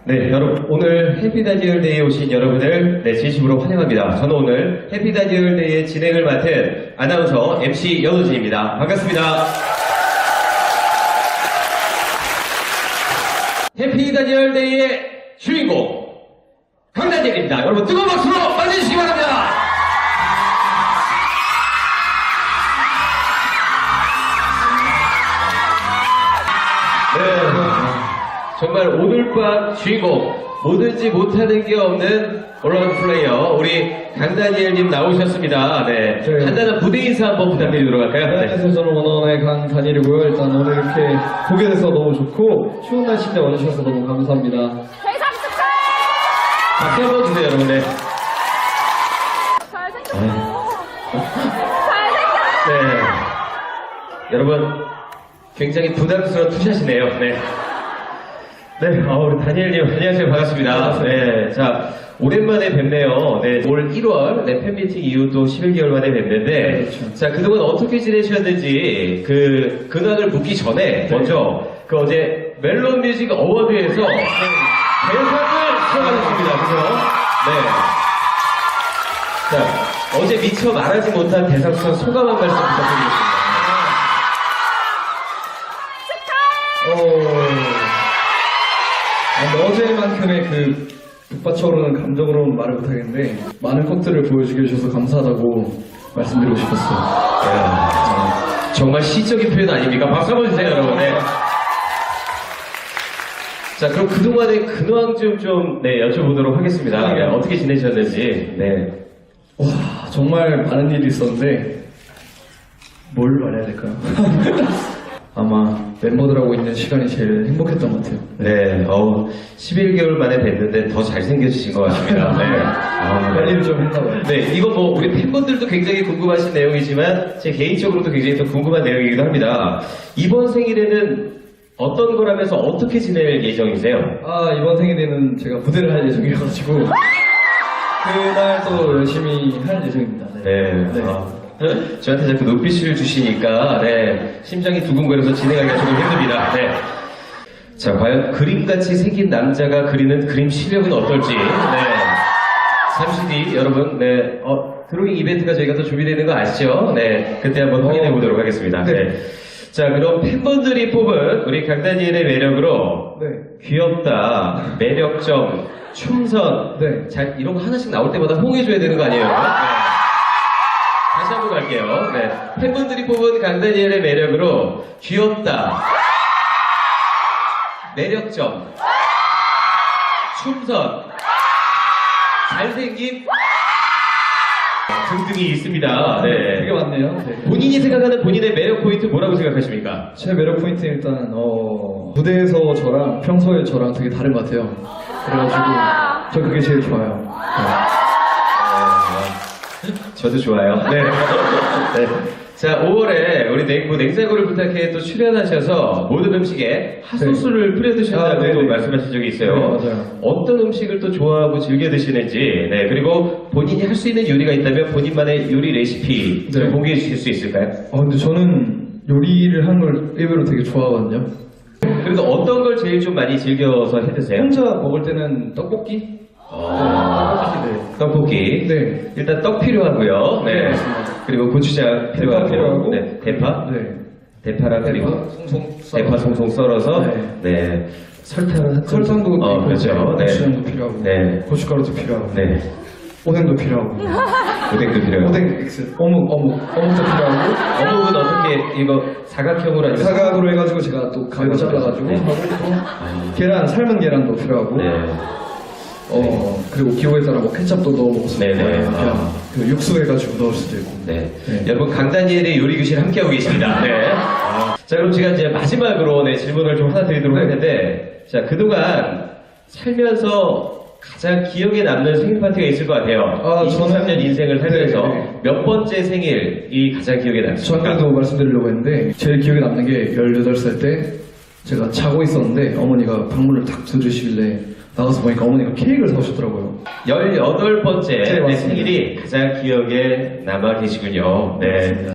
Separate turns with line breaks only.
네, 여러분 오늘 해피다디얼데이에 오신 여러분을 진심으로 환영합니다. 저는 오늘 해피다디얼데이의 진행을 맡은 아나운서 MC 연우진입니다. 반갑습니다. 해피다디얼데이의 주인공 강다니엘입니다. 여러분 뜨거운 박수로 맞이해주시기 바랍니다. 네. 정말 오늘 밤 주인공, 뭐든지 못하는 게 없는 올라온 플레이어 우리 강다니엘님 나오셨습니다. 네, 간단한 무대 인사 한번 부탁드리도록 할까요?
안녕하세요. 저는 원어원의 강다니엘이고요. 일단 오늘 이렇게 보게 돼서 너무 좋고 추운 날씨인데 와주셔서 너무 감사합니다.
회상 축하해!
박수 한번 주세요, 여러분. 네.
잘생겼어. 잘생겼어.
네. 여러분, 굉장히 부담스러운 투샷이네요. 네. 네, 우리 다니엘님, 안녕하세요. 반갑습니다. 네, 자, 오랜만에 뵙네요. 네, 올 1월, 팬미팅 이후 또 11개월 만에 뵙는데,
그렇죠.
자, 그동안 어떻게 지내셨는지, 근황을 묻기 전에, 먼저, 어제 멜론 뮤직 어워드에서, 대상을 수상하셨습니다. 그죠? 네. 자, 어제 미처 말하지 못한 대상 수상 소감 한 말씀 부탁드리겠습니다.
어제만큼의 그 북받쳐오르는 감정으로는 말을 못하겠는데 많은 것들을 보여주게 해주셔서 감사하다고 말씀드리고 싶었어요.
정말 시적인 표현 아닙니까? 박수 한번 주세요, 여러분. 네. 자, 그럼 그동안의 근황 좀 여쭤보도록 하겠습니다. 네, 어떻게 지내셨는지. 네.
와, 정말 많은 일이 있었는데 뭘 말해야 될까요? 아마 멤버들하고 있는 시간이 제일 행복했던 것 같아요.
네, 11개월 만에 뵀는데 더 잘생겨지신 것 같습니다. 네.
관리를 좀 했나봐요.
네, 이거 뭐 우리 팬분들도 굉장히 궁금하신 내용이지만 제 개인적으로도 굉장히 또 궁금한 내용이기도 합니다. 이번 생일에는 어떤 걸 하면서 어떻게 지낼 예정이세요?
이번 생일에는 제가 무대를 할 예정이어가지고 그날 또 열심히 할 예정입니다.
네. 저한테 자꾸 눈빛을 주시니까 심장이 두근거려서 진행하기가 조금 힘듭니다. 네. 자, 과연 그림같이 생긴 남자가 그리는 그림 실력은 어떨지. 네. 잠시 뒤 여러분, 드로잉 이벤트가 저희가 또 준비되는 거 아시죠? 네. 그때 한번 확인해 보도록 하겠습니다. 네. 자, 그럼 팬분들이 뽑은 우리 강다니엘의 매력으로 귀엽다, 매력점, 춤선, 이런 거 하나씩 나올 때마다 호응해줘야 되는 거 아니에요? 네. 다시 한번 갈게요. 네. 팬분들이 뽑은 강다니엘의 매력으로 귀엽다, 매력점, 춤선, 잘생김 등등이 있습니다. 네.
되게 많네요.
본인이 생각하는 본인의 매력 포인트 뭐라고 생각하십니까?
제 매력 포인트는 일단 무대에서 저랑 평소에 저랑 되게 다른 것 같아요. 그래가지고 저 그게 제일 좋아요.
저도 좋아요. 네. 자, 5월에 우리 냉장고를 부탁해 또 출연하셔서 모든 음식에 핫소스를 뿌려 드신다고 말씀하신 적이 있어요.
네, 맞아요.
어떤 음식을 또 좋아하고 즐겨 드시는지, 그리고 본인이 할 수 있는 요리가 있다면 본인만의 요리 레시피 좀 공개해 주실 수 있을까요?
근데 저는 요리를 하는 걸 의외로 되게 좋아하거든요.
그래도 어떤 걸 제일 좀 많이 즐겨서 해 드세요?
혼자 먹을 때는 떡볶이?
떡볶이.
네.
일단 떡 필요하고요. 네. 그리고 고추장 필요하고.
필요하고.
네. 대파.
네.
대파랑 그리고 대파 송송 썰어서. 네.
설탕도 있고,
그렇죠. 네.
고추장도 필요하고,
네.
고춧가루도 필요하고,
네.
오뎅도 필요하고,
오뎅도 필요하고.
오뎅 X, 어묵도 필요하고.
어묵은 어떻게 이거 사각형으로 아니면
사각으로 해가지고 제가 또 가위로 잘라가지고
네.
하고 또 계란, 삶은 계란도 필요하고.
네.
그리고 기호에 따라 뭐 케첩도 넣어 먹을 수도 있고,
네네.
그냥 그 육수 해가지고 넣을 수도 있고.
네. 여러분, 강다니엘의 요리 교실 함께하고 계십니다. 네. 자, 그럼 제가 이제 마지막으로 질문을 좀 하나 드리도록 할 텐데, 자, 그동안 살면서 가장 기억에 남는 생일 파티가 있을 것 같아요. 23년 인생을 살면서 몇 번째 생일이 가장 기억에 남습니까?
저한테도 말씀드리려고 했는데, 제일 기억에 남는 게 18살 때 제가 자고 있었는데 어머니가 방문을 탁 두드리시길래 나가서 보니까 어머니가 케이크를 사오셨더라고요.
18번째
네, 맞습니다.
생일이 가장 기억에 남아 계시군요. 네.